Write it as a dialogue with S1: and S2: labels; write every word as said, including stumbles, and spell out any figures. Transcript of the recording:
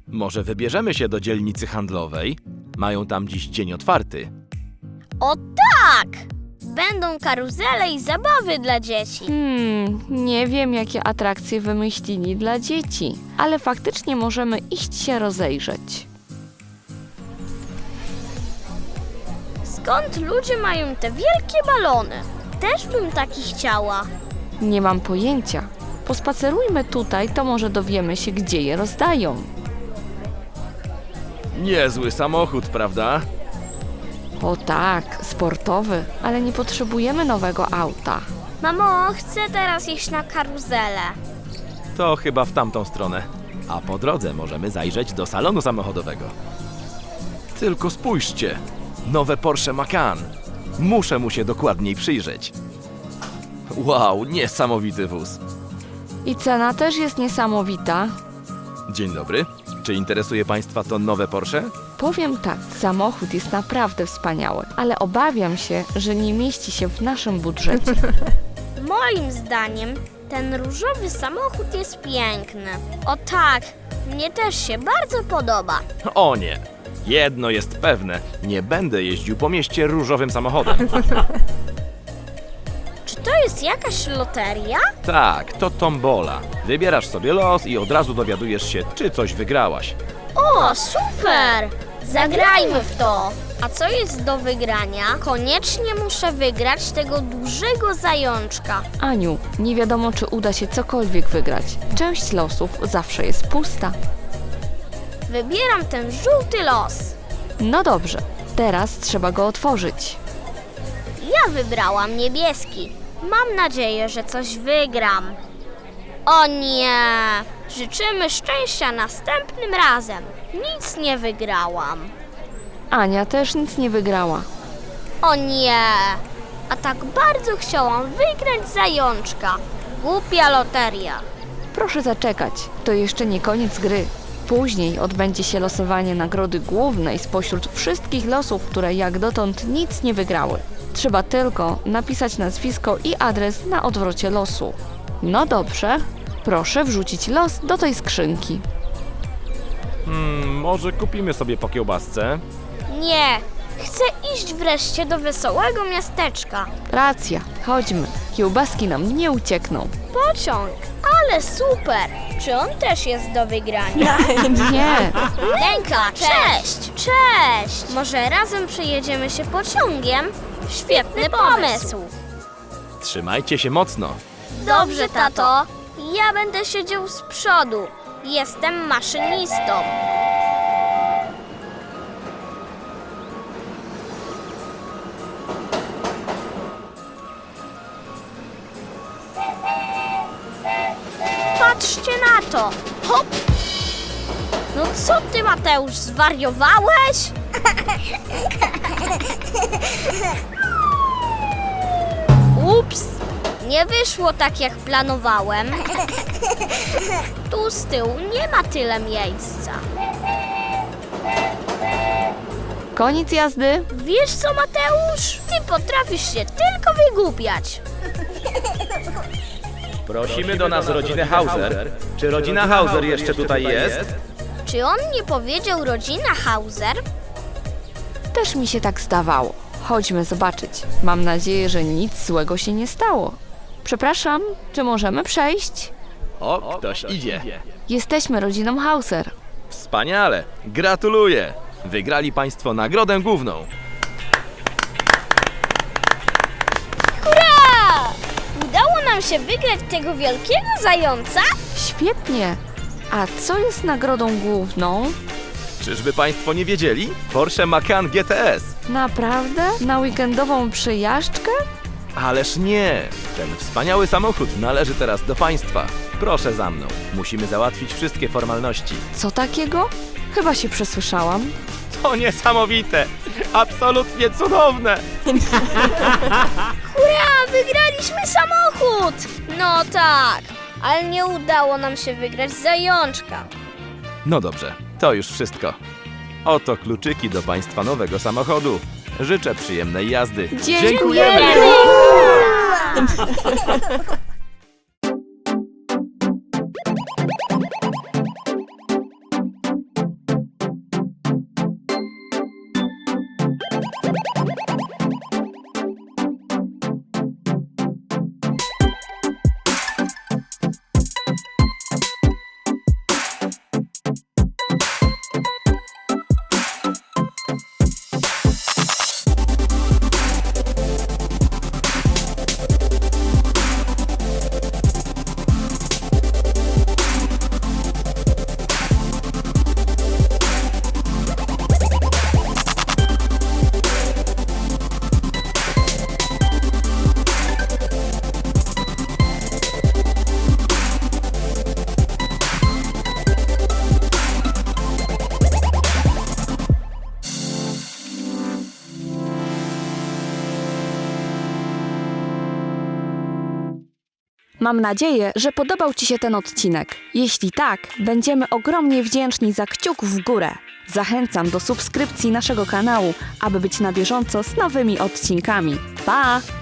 S1: Może wybierzemy się do dzielnicy handlowej? Mają tam dziś dzień otwarty.
S2: O tak! Będą karuzele i zabawy dla dzieci.
S3: Hmm, nie wiem, jakie atrakcje wymyślili dla dzieci, ale faktycznie możemy iść się rozejrzeć.
S2: Skąd ludzie mają te wielkie balony? Też bym taki chciała.
S3: Nie mam pojęcia. Pospacerujmy tutaj, to może dowiemy się, gdzie je rozdają.
S1: Niezły samochód, prawda?
S3: O tak, sportowy, ale nie potrzebujemy nowego auta.
S2: Mamo, chcę teraz iść na karuzelę.
S1: To chyba w tamtą stronę. A po drodze możemy zajrzeć do salonu samochodowego. Tylko spójrzcie! Nowe Porsche Macan. Muszę mu się dokładniej przyjrzeć. Wow, niesamowity wóz.
S3: I cena też jest niesamowita.
S1: Dzień dobry. Czy interesuje Państwa to nowe Porsche?
S3: Powiem tak, samochód jest naprawdę wspaniały, ale obawiam się, że nie mieści się w naszym budżecie.
S2: Moim zdaniem ten różowy samochód jest piękny. O tak, mnie też się bardzo podoba.
S1: O nie! Jedno jest pewne. Nie będę jeździł po mieście różowym samochodem.
S2: Czy to jest jakaś loteria?
S1: Tak, to tombola. Wybierasz sobie los i od razu dowiadujesz się, czy coś wygrałaś.
S2: O, super! Zagrajmy w to! A co jest do wygrania? Koniecznie muszę wygrać tego dużego zajączka.
S3: Aniu, nie wiadomo, czy uda się cokolwiek wygrać. Część losów zawsze jest pusta.
S2: Wybieram ten żółty los.
S3: No dobrze, teraz trzeba go otworzyć.
S2: Ja wybrałam niebieski. Mam nadzieję, że coś wygram. O nie! Życzymy szczęścia następnym razem. Nic nie wygrałam.
S3: Ania też nic nie wygrała.
S2: O nie! A tak bardzo chciałam wygrać zajączka. Głupia loteria.
S3: Proszę zaczekać, to jeszcze nie koniec gry. Później odbędzie się losowanie nagrody głównej spośród wszystkich losów, które jak dotąd nic nie wygrały. Trzeba tylko napisać nazwisko i adres na odwrocie losu. No dobrze, proszę wrzucić los do tej skrzynki.
S1: Hmm, może kupimy sobie po kiełbasce?
S2: Nie, chcę iść wreszcie do wesołego miasteczka.
S3: Racja, chodźmy. Kiełbaski nam nie uciekną.
S2: Pociąg, ale super! Czy on też jest do wygrania?
S3: Nie,
S2: Lenka, cześć! Cześć! Może razem przejedziemy się pociągiem? Świetny pomysł!
S1: Trzymajcie się mocno.
S2: Dobrze, tato. Ja będę siedział z przodu. Jestem maszynistą. Patrzcie na to! Hop! No co ty, Mateusz, zwariowałeś? Ups! Nie wyszło tak, jak planowałem. Tu z tyłu nie ma tyle miejsca.
S3: koniec jazdy.
S2: Wiesz co, Mateusz? Ty potrafisz się tylko wygłupiać.
S1: Prosimy do nas rodzinę Hauser. Czy rodzina Hauser jeszcze tutaj jest?
S2: Czy on nie powiedział rodzina Hauser?
S3: Też mi się tak zdawało. Chodźmy zobaczyć. Mam nadzieję, że nic złego się nie stało. Przepraszam, czy możemy przejść?
S1: O, ktoś idzie.
S3: Jesteśmy rodziną Hauser.
S1: Wspaniale. Gratuluję. Wygrali Państwo nagrodę główną.
S2: Hurra! Udało nam się wygrać tego wielkiego zająca?
S3: Świetnie. A co jest nagrodą główną?
S1: Czyżby Państwo nie wiedzieli? Porsche Macan G T S.
S3: Naprawdę? Na weekendową przyjażdżkę?
S1: Ależ nie! Ten wspaniały samochód należy teraz do Państwa. Proszę za mną. Musimy załatwić wszystkie formalności.
S3: Co takiego? Chyba się przesłyszałam.
S1: To niesamowite! Absolutnie cudowne!
S2: Hurra! Wygraliśmy samochód! No tak, ale nie udało nam się wygrać zajączka.
S1: No dobrze, to już wszystko. Oto kluczyki do Państwa nowego samochodu. Życzę przyjemnej jazdy.
S3: Dziękujemy! Mam nadzieję, że podobał Ci się ten odcinek. Jeśli tak, będziemy ogromnie wdzięczni za kciuk w górę. Zachęcam do subskrypcji naszego kanału, aby być na bieżąco z nowymi odcinkami. Pa!